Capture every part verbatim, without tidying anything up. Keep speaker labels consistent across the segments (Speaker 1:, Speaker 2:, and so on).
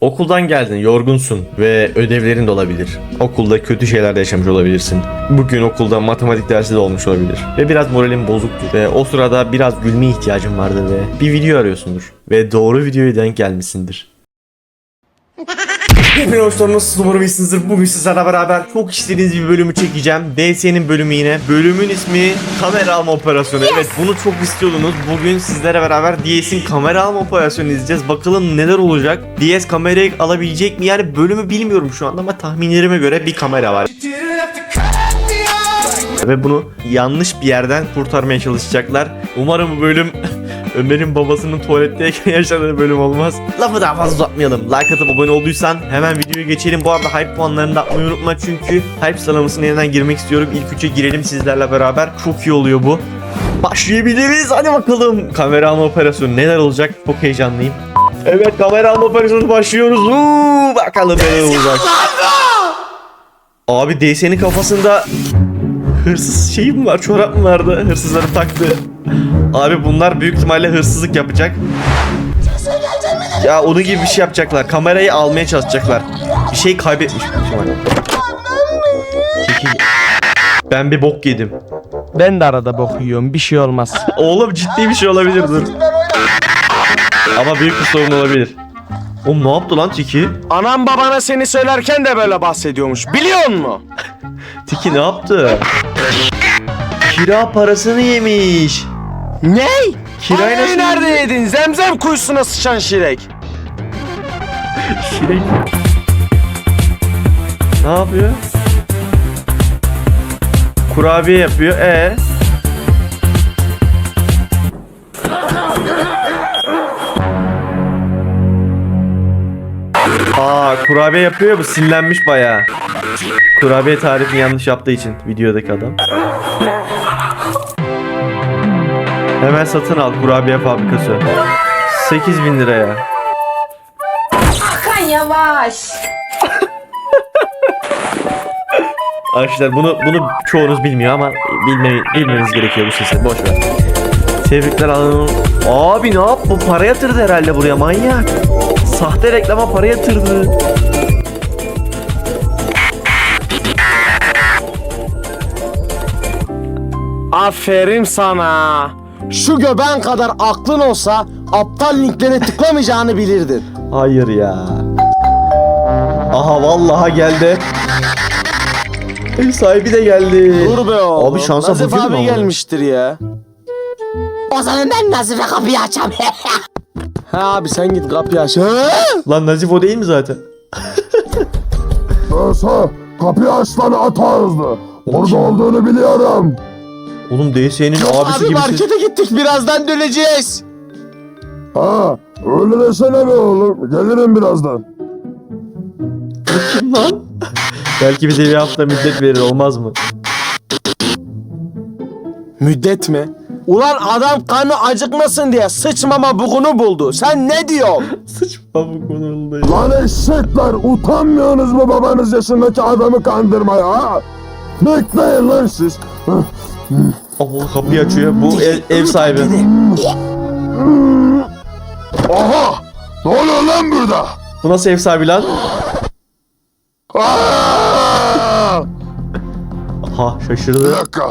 Speaker 1: Okuldan geldin, yorgunsun ve ödevlerin de olabilir. Okulda kötü şeyler de yaşamış olabilirsin. Bugün okulda matematik dersi de olmuş olabilir. Ve biraz moralin bozuktur. Ve o sırada biraz gülmeye ihtiyacın vardır ve bir video arıyorsundur. Ve doğru videoya denk gelmişsindir. Hepinize hoş geldiniz. Umarım iyisinizdir. Bugün sizlerle beraber çok istediğiniz bir bölümü çekeceğim. D S'nin bölümü yine. Bölümün ismi kamera alma operasyonu. Evet, bunu çok istiyordunuz. Bugün sizlere beraber D S'in kamera alma operasyonu izleyeceğiz. Bakalım neler olacak. D S kamerayı alabilecek mi? Yani bölümü bilmiyorum şu anda ama tahminlerime göre bir kamera var. Ve bunu yanlış bir yerden kurtarmaya çalışacaklar. Umarım bu bölüm Ömer'in babasının tuvaletteyken yaşadığı bölüm olmaz. Lafı daha fazla uzatmayalım. Like atıp abone olduysan hemen videoyu geçelim. Bu arada hype puanlarını da atmayı unutma çünkü hype sıralamasına yeniden girmek istiyorum. İlk üçe girelim sizlerle beraber. Çok iyi oluyor bu. Başlayabiliriz. Hadi bakalım. Kamera alma operasyonu neler olacak? Çok heyecanlıyım. Evet, kamera alma operasyonu başlıyoruz. Uuu, bakalım neler olacak. Abi D S'nin kafasında hırsız şeyi mi var? Çorap mı vardı? Hırsızları taktı. Abi bunlar büyük ihtimalle hırsızlık yapacak. Ya onun gibi bir şey yapacaklar. Kamerayı almaya çalışacaklar. Bir şey kaybetmiş büyük ihtimalle. Ben bir bok yedim.
Speaker 2: Ben de arada bok yiyorum, bir şey olmaz.
Speaker 1: Oğlum ciddi bir şey olabilir, dur. Ama büyük bir sorun olabilir. Oğlum ne yaptı lan Tiki?
Speaker 2: Anam babana seni söylerken de böyle bahsediyormuş, biliyor musun?
Speaker 1: Tiki ne yaptı? Kira parasını yemiş.
Speaker 2: Ne?
Speaker 1: Kirayı nasıl
Speaker 2: nerede yedin? Zemzem kuyusuna sıçan şirek.
Speaker 1: Şirek. Ne yapıyor? Kurabiye yapıyor. E. Aa, kurabiye yapıyor, bu sinirlenmiş bayağı. Kurabiye tarifini yanlış yaptığı için videodaki adam. Hemen satın al kurabiye fabrikası. sekiz bin liraya.
Speaker 3: Hakan yavaş.
Speaker 1: Arkadaşlar bunu bunu çoğunuz bilmiyor ama bilme, bilmeniz gerekiyor bu sesi. Boş ver. Tebrikler alın. Abi ne yap? Bu para yatırdı herhalde buraya, manyak. Sahte reklama para yatırdı.
Speaker 2: Aferin sana. Şu göbeğin kadar aklın olsa aptal linklere tıklamayacağını bilirdin.
Speaker 1: Hayır ya. Aha vallahi geldi. Ev sahibi de geldi.
Speaker 2: Dur be oğlum.
Speaker 1: Abi şansa
Speaker 2: Nazif
Speaker 1: bakıyor mu
Speaker 2: abi
Speaker 1: ama?
Speaker 2: gelmiştir ya.
Speaker 3: O zaman ben Nazife kapıyı açam.
Speaker 2: Ha abi sen git kapıyı aç.
Speaker 1: Lan Nazif o değil mi zaten?
Speaker 4: Neyse, kapıyı aç lan at ağızlı. Orada olduğunu biliyorum.
Speaker 1: Oğlum D S'nin abisi
Speaker 2: Abi
Speaker 1: gibi ses.
Speaker 2: markete gittik, birazdan döneceğiz.
Speaker 4: Ha, öyle desene be oğlum. Gelirim birazdan.
Speaker 1: Kim lan? Belki bize bir hafta müddet verir, olmaz mı?
Speaker 2: Müddet mi? Ulan adam kanı acıkmasın diye sıçmama bugunu buldu. Sen ne diyorsun?
Speaker 1: Sıçma bu konulda.
Speaker 4: Lan eşekler, utanmıyorsunuz mu babanız yaşındaki adamı kandırmaya ha? Bekleyin lan siz.
Speaker 1: Allah, kapıyı açıyor. Bu ev, ev sahibi.
Speaker 4: Aha! Ne oluyor lan burada?
Speaker 1: Bu nasıl ev sahibi lan?
Speaker 4: Aa!
Speaker 1: Aha,
Speaker 4: Bir
Speaker 1: şaşırdı.
Speaker 4: dakika.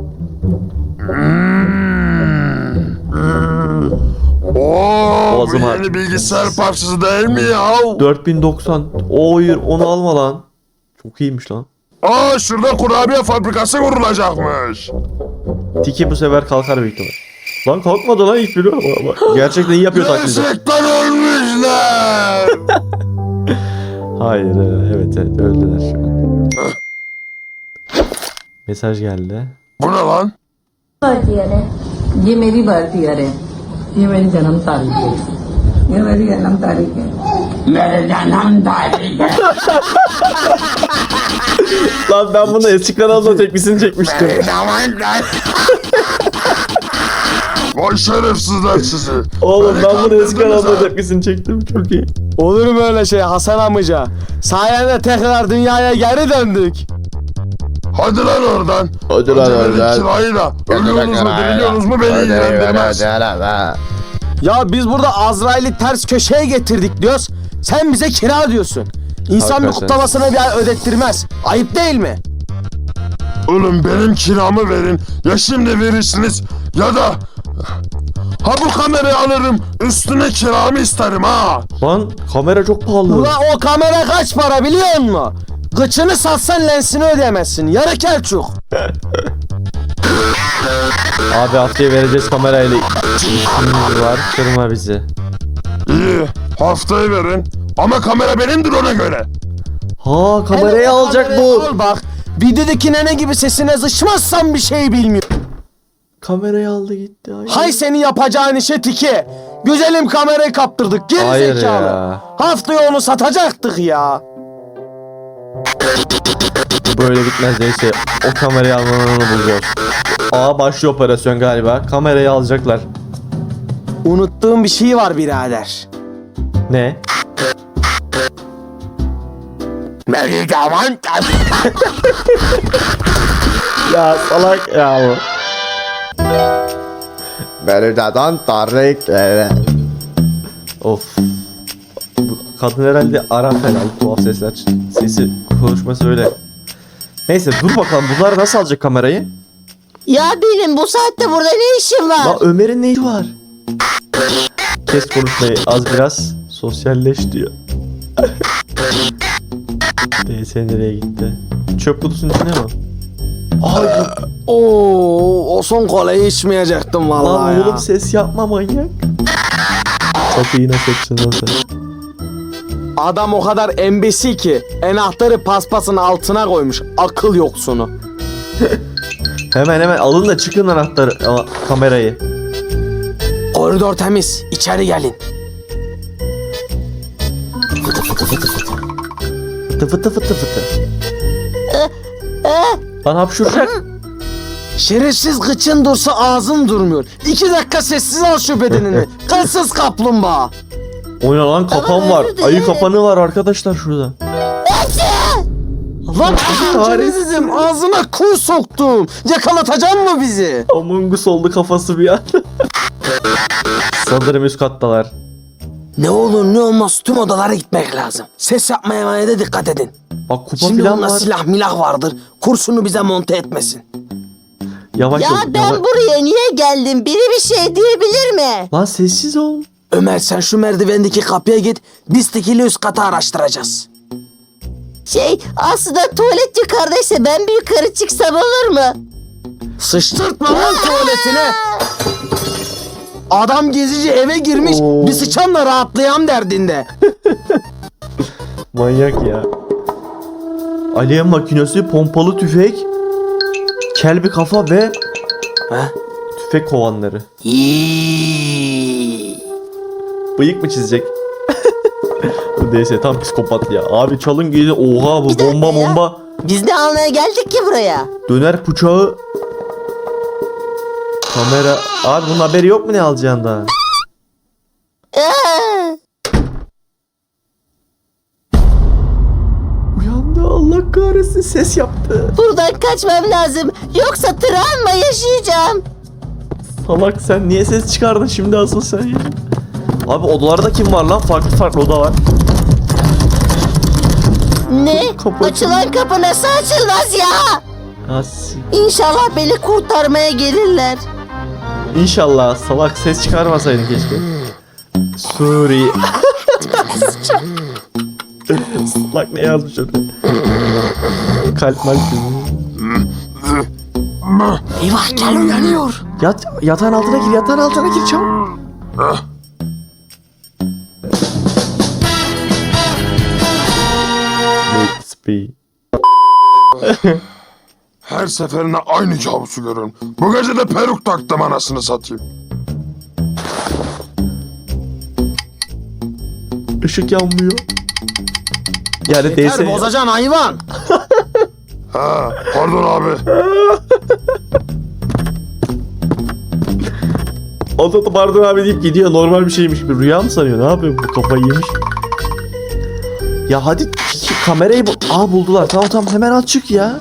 Speaker 4: Oo, bu
Speaker 1: Boğazım
Speaker 4: yeni
Speaker 1: ağrıyor.
Speaker 4: bilgisayar parçası değil mi ya?
Speaker 1: dört bin doksan. O hayır, onu alma lan. Çok iyiymiş lan.
Speaker 4: Aa, şurada kurabiye fabrikası kurulacakmış.
Speaker 1: Tiki bu sefer kalkar büyük ihtimal. Lan kalkmadı lan ilk biri. Gerçekten iyi yapıyor taklidi.
Speaker 4: Gerçekten ölmüşler.
Speaker 1: Hayır, evet evet öldüler şu an. Mesaj geldi.
Speaker 4: Bu ne lan?
Speaker 5: Birth year है ये मेरी birth year है ये मेरी जन्म तारीख है ये मेरी जन्म तारीख है मेरे जन्म तारीख है
Speaker 1: Lan ben bunu eski kanalda tepkisini çekmiştim.
Speaker 4: Vay şerefsizler sizi.
Speaker 1: Oğlum
Speaker 4: Beni
Speaker 1: ben bunu eski
Speaker 4: kandırdınız
Speaker 1: kanalda
Speaker 4: ha.
Speaker 1: tepkisini çektim, çok iyi.
Speaker 2: Olur mu öyle şey Hasan amca? Sayende tekrar dünyaya geri döndük.
Speaker 4: Hadi lan oradan.
Speaker 1: Hadi lan
Speaker 4: Önce verin
Speaker 1: oradan.
Speaker 4: kirayı da. Ölüyorsunuz mu diriliyorsunuz mu beni ilgilendirmez.
Speaker 2: Ya biz burada Azrail'i ters köşeye getirdik diyoruz. Sen bize kira diyorsun. İnsan bir
Speaker 1: Hakikaten.
Speaker 2: kutlamasına bir ay ödettirmez. Ayıp değil mi?
Speaker 4: Oğlum benim kiramı verin. Ya şimdi verirsiniz ya da... Ha bu kamerayı alırım. Üstüne kiramı isterim ha.
Speaker 1: Lan kamera çok pahalı.
Speaker 2: Ula o kamera kaç para biliyor musun? Gıçını satsan lensini ödeyemezsin. Yarı kelçuk.
Speaker 1: Abi haftaya vereceğiz kamerayla. İşimiz var. Kırma bizi.
Speaker 4: İyi. Haftayı verin. Ama kamera benimdir ona göre.
Speaker 1: Ha kamerayı
Speaker 2: Evet,
Speaker 1: alacak
Speaker 2: kamerayı
Speaker 1: bu.
Speaker 2: Al bak. Videodaki nene gibi sesine zışmazsan bir şey bilmiyor.
Speaker 1: Kamerayı aldı gitti. Ay.
Speaker 2: Hay senin yapacağın işe tiki. Güzelim kamerayı kaptırdık. Geri
Speaker 1: Hayır
Speaker 2: zekalı.
Speaker 1: ya.
Speaker 2: Haftaya onu satacaktık ya.
Speaker 1: Böyle bitmez neyse. O kamerayı almanı bulacağız. Aa başlıyor operasyon galiba. Kamerayı alacaklar.
Speaker 2: Unuttuğum bir şey var birader.
Speaker 1: Ne? Ya salak ya bu. Berdadan Tarık. Of. Bu kadın herhalde Arap herhalde tuhaf sesler. Sesi konuşması öyle. Neyse dur bakalım bunlar nasıl alacak kamerayı?
Speaker 3: Ya benim bu saatte burada ne işim var?
Speaker 1: La Ömer'in neyi var? Kes konuşmayı az biraz. Sosyalleş diyor. D S nereye gitti? Çöp kutusunun içine mi?
Speaker 2: Ay, Oo, o son kolayı içmeyecektim vallahi
Speaker 1: Lan
Speaker 2: ya.
Speaker 1: oğlum ses yapma manyak. Kapıyı nasıl açtın lan sen?
Speaker 2: Adam o kadar embesi ki enahtarı paspasın altına koymuş. Akıl yoksunu.
Speaker 1: Hemen hemen alın da çıkın anahtarı a, kamerayı.
Speaker 2: Koridor temiz. İçeri gelin.
Speaker 1: Fıtı fıtı fıtı fıtı. Lan hapşuracak.
Speaker 2: Şerefsiz gıçın dursa ağzın durmuyor. İki dakika sessiz al şu bedenini. Kılsız kaplumbağa.
Speaker 1: Oyna lan kapan var. Ayı kapanı var arkadaşlar şurada.
Speaker 2: Lan
Speaker 1: kahretsin.
Speaker 2: şerefsizim ağzına kuş soktum. Yakalatacak mı bizi?
Speaker 1: Among Us oldu kafası bir an. Sanırım üst kattalar.
Speaker 2: Ne olur ne olmaz tüm odalara gitmek lazım. Ses yapmaya da dikkat edin.
Speaker 1: Bak kupa
Speaker 2: Şimdi
Speaker 1: falan
Speaker 2: onda
Speaker 1: var.
Speaker 2: silah milah vardır. Kurşunu bize monte etmesin.
Speaker 1: Yavaş
Speaker 3: Ya
Speaker 1: ol.
Speaker 3: ben
Speaker 1: yavaş-
Speaker 3: buraya niye geldim? Biri bir şey diyebilir mi?
Speaker 1: Lan sessiz ol.
Speaker 2: Ömer sen şu merdivendeki kapıya git. Biz tekili üst katı araştıracağız.
Speaker 3: Şey aslında tuvalet yukarıdaysa ben bir yukarı çıksam olur mu?
Speaker 2: Sıçtırtma lan tuvaletine. Adam gezici eve girmiş.
Speaker 1: Oo.
Speaker 2: Bir sıçanla rahatlayam derdinde.
Speaker 1: Manyak ya. Alev makinesi, pompalı tüfek, kelbi kafa ve
Speaker 2: Ha?
Speaker 1: tüfek kovanları.
Speaker 2: İyi.
Speaker 1: Bıyık mı çizecek? Bu neyse tam psikopat ya. Abi çalın gelin. Oha bu
Speaker 3: Bir dakika
Speaker 1: bomba
Speaker 3: ya.
Speaker 1: bomba.
Speaker 3: Biz ne almaya geldik ki buraya?
Speaker 1: Döner bıçağı. Kamera. Abi bunun haberi yok mu ne alacağında?
Speaker 3: Ee,
Speaker 1: Uyandı Allah kahretsin ses yaptı.
Speaker 3: buradan kaçmam lazım. Yoksa travma yaşayacağım.
Speaker 1: Salak sen niye ses çıkardın şimdi asıl sen ya? Abi odalarda kim var lan? Farklı farklı oda var.
Speaker 3: Ne?
Speaker 1: Kapı
Speaker 3: Açılan kapı nasıl açılmaz ya?
Speaker 1: As.
Speaker 3: İnşallah beni kurtarmaya gelirler.
Speaker 1: İnşallah salak ses çıkarmasaydın keşke. Suri. Salak ne yazmış orada? Kalp malp.
Speaker 2: Eyvah gel uyanıyor.
Speaker 1: Yat, yatağın altına gir, yatağın altına gir çabuk. Speed.
Speaker 4: Her seferinde aynı kabusu görüyorum. Bu gece de peruk taktım anasını satayım.
Speaker 1: Işık yanmıyor. Yani D S.
Speaker 2: Yeter bozacaksın hayvan.
Speaker 4: Ha, pardon abi.
Speaker 1: O da pardon abi deyip gidiyor. Normal bir şeymiş gibi. Rüya mı sanıyor? Ne yapıyor? Bu kafayı yemiş. Ya hadi kamerayı bul. Aa buldular. Tamam tamam hemen al çık ya.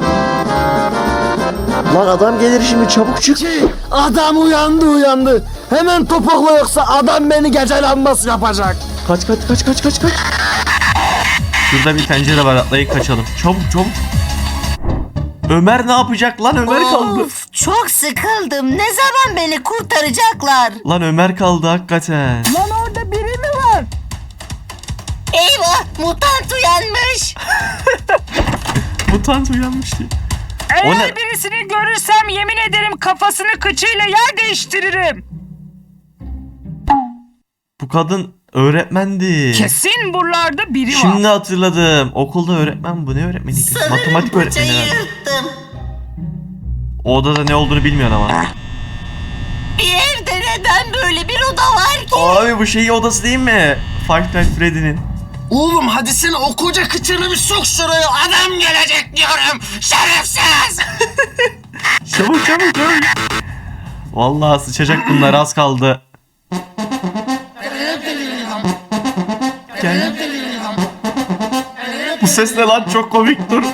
Speaker 1: Lan adam gelir şimdi çabuk çık.
Speaker 2: Adam uyandı uyandı. Hemen topukla yoksa adam beni gece lambası yapacak.
Speaker 1: Kaç kaç kaç kaç kaç kaç. Şurada bir pencere var, atlayıp kaçalım. Çabuk çabuk. Ömer ne yapacak lan? Ömer kaldı.
Speaker 3: Of, çok sıkıldım. Ne zaman beni kurtaracaklar?
Speaker 1: Lan Ömer kaldı hakikaten.
Speaker 5: Lan orada biri mi var?
Speaker 3: Eyvah, mutant uyanmış.
Speaker 1: Mutant uyanmış ya. O
Speaker 6: Eğer
Speaker 1: ne?
Speaker 6: birisini görürsem yemin ederim kafasını kıçıyla yer değiştiririm.
Speaker 1: Bu kadın öğretmendi.
Speaker 6: Kesin buralarda biri var.
Speaker 1: Şimdi hatırladım. Okulda öğretmen bu. Ne öğretmeniydi? Matematik öğretmeni
Speaker 3: Paçayı
Speaker 1: herhalde.
Speaker 3: yırttım.
Speaker 1: O odada ne olduğunu bilmiyorsun ama.
Speaker 3: Bir evde neden böyle bir oda var ki?
Speaker 1: Abi bu şeyi odası değil mi? Five Nights Freddy'nin.
Speaker 2: Oğlum hadi sen o koca kıçını bir sok şuraya. Adam gelecek diyorum. Şerefsiz.
Speaker 1: Çabuk çabuk çabuk. Vallahi sıçacak bunlar, az kaldı. Gel. Bu ses ne lan, çok komik, dur.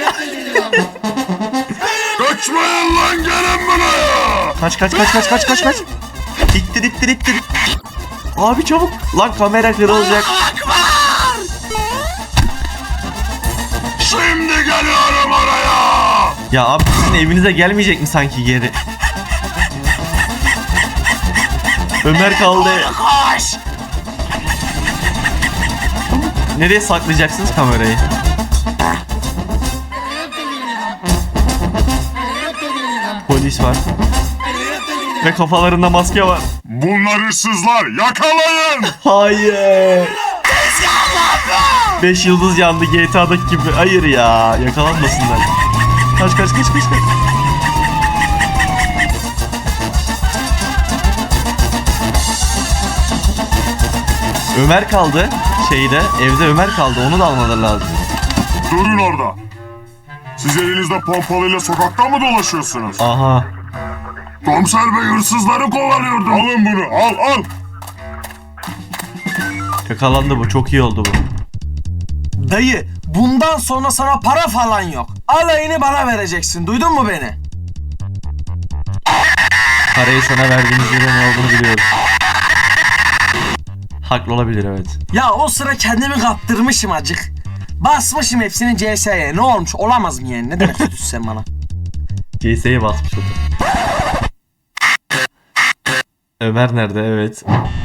Speaker 4: Kaçmayın lan, gelin buraya.
Speaker 1: Kaç kaç kaç kaç kaç kaç kaç. İttir ittir ittir. Abi çabuk. Lan kamera kırılacak.
Speaker 4: Şimdi geliyorum oraya.
Speaker 1: Ya abi sizin evinize gelmeyecek mi sanki geri? Ömer kaldı.
Speaker 2: Koş.
Speaker 1: Nereye saklayacaksınız kamerayı? Polis var. Ve kafalarında maske var.
Speaker 4: Bunlar hırsızlar, yakalayın.
Speaker 1: Hayır. Beş yıldız yandı G T A'daki gibi. Hayır ya, yakalanmasınlar. Kaç kaç kaç kaç kaç. Ömer kaldı şeyde, evde Ömer kaldı, onu da almaları lazım.
Speaker 4: Durun orada. Siz elinizde pompalıyla sokakta mı dolaşıyorsunuz?
Speaker 1: Aha.
Speaker 4: Komiser bey hırsızları kovalıyordu. Alın bunu, al al.
Speaker 1: Yakalandı bu, çok iyi oldu bu.
Speaker 2: Dayı bundan sonra sana para falan yok. Alayını bana vereceksin. Duydun mu beni?
Speaker 1: Parayı sana verdiğimiz yere ne olduğunu biliyorum. Haklı olabilir, evet.
Speaker 2: Ya o sıra kendimi kaptırmışım acık. Basmışım hepsini C S'ye. Ne olmuş? Olamaz mı yani? Ne demek istiyorsun sen bana?
Speaker 1: C S'ye basmış o da. Ömer nerede? Evet.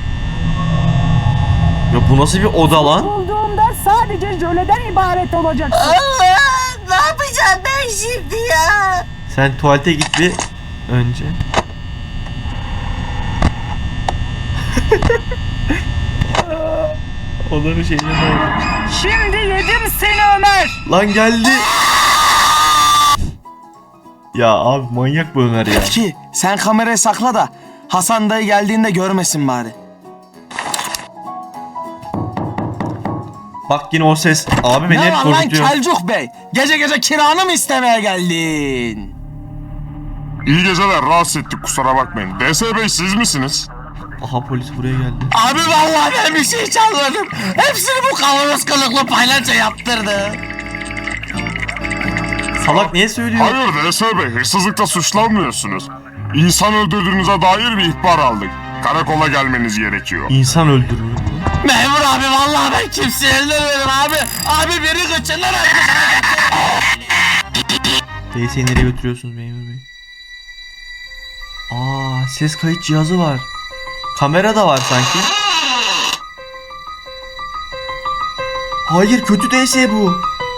Speaker 1: Ya bu nasıl bir oda lan?
Speaker 6: Bulduğumda sadece jöleden ibaret olacaksın.
Speaker 3: Allah, ne yapacağım ben şimdi ya?
Speaker 1: Sen tuvalete git bir önce. Onların şeyine bak.
Speaker 6: Şimdi yedim seni Ömer.
Speaker 1: Lan geldi. Ya abi manyak bu Ömer ya.
Speaker 2: Ki sen kamerayı sakla da Hasan dayı geldiğinde görmesin bari.
Speaker 1: Bak yine o ses. Abi beni
Speaker 2: Ne
Speaker 1: hep
Speaker 2: var lan
Speaker 1: korkutuyor.
Speaker 2: Kelcuk Bey? Gece gece kiranı mı istemeye geldin?
Speaker 4: İyi geceler, rahatsız ettik, kusura bakmayın. D S bey siz misiniz?
Speaker 1: Aha polis buraya geldi.
Speaker 2: Abi vallahi ben bir şey çalmadım. Hepsini bu kavanoz kılıklı paylaşa yaptırdı.
Speaker 1: Salak niye söylüyor?
Speaker 4: Hayır D S bey, hırsızlıkla suçlanmıyorsunuz. İnsan öldürdüğünüze dair bir ihbar aldık. Karakola gelmeniz gerekiyor.
Speaker 1: İnsan öldürüyor.
Speaker 2: Memur abi vallahi ben kimseyi öldürmedim abi. Abi beni kaçırlar abi.
Speaker 1: Teyzeyi nereye götürüyorsunuz memur bey? Aa, ses kayıt cihazı var. Kamera da var sanki. Hayır, kötü D S bu.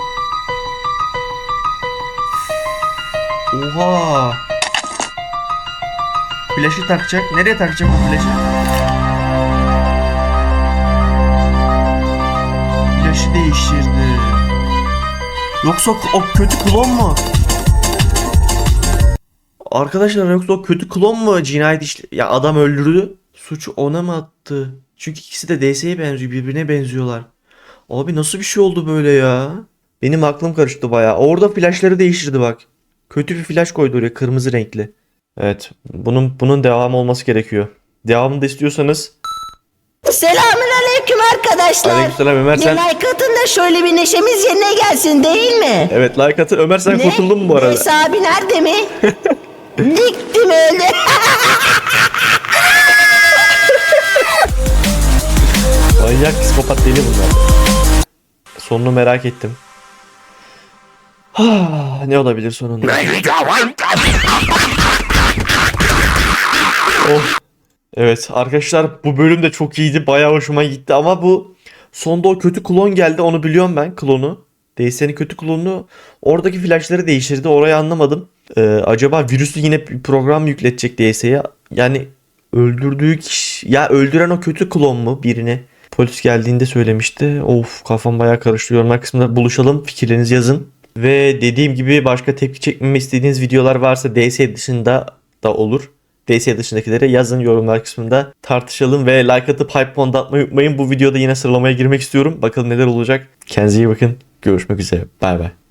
Speaker 1: Oha. Flaşı takacak. Nereye takacak bu flaşı? Flaşı değiştirdi. Yoksa o kötü klon mu? Arkadaşlar yoksa o kötü klon mu cinayet işle... Ya adam öldürdü. Suçu ona mı attı? Çünkü ikisi de D S'ye benziyor. Birbirine benziyorlar. Abi nasıl bir şey oldu böyle ya? Benim aklım karıştı bayağı. Orada flashları değiştirdi bak. Kötü bir flash koydu oraya, kırmızı renkli. Evet. Bunun bunun devamı olması gerekiyor. Devamını da istiyorsanız...
Speaker 3: Selamünaleyküm arkadaşlar.
Speaker 1: Aleykümselam Ömer,
Speaker 3: Bir
Speaker 1: sen...
Speaker 3: like atın da şöyle bir neşemiz yerine gelsin değil mi?
Speaker 1: Evet, like atın. Ömer sen
Speaker 3: Ne?
Speaker 1: kurtuldun mu bu arada?
Speaker 3: Neyse abi nerede mi? Diktim öyle.
Speaker 1: Manyak psikopat deli bunlar. Sonunu merak ettim. Ha, ne olabilir sonunda? Oh. Evet arkadaşlar bu bölüm de çok iyiydi. Bayağı hoşuma gitti ama bu sonda o kötü klon geldi. Onu biliyorum ben, klonu. D S'nin kötü klonunu, oradaki flashları değiştirdi. Orayı anlamadım. Ee, acaba virüslü yine bir program yükletecek D S'ye. Yani öldürdüğü kişi, ya öldüren o kötü klon mu birini? Polis geldiğinde söylemişti. Of, kafam bayağı karıştı. Yorumlar kısmında buluşalım. Fikirlerinizi yazın. Ve dediğim gibi başka tepki çekmemi istediğiniz videolar varsa D S dışında da olur. D S dışındakilere yazın yorumlar kısmında, tartışalım ve like atıp hype puan atmayı unutmayın. Bu videoda yine sıralamaya girmek istiyorum. Bakalım neler olacak. Kendinize iyi bakın. Görüşmek üzere. Bay bay.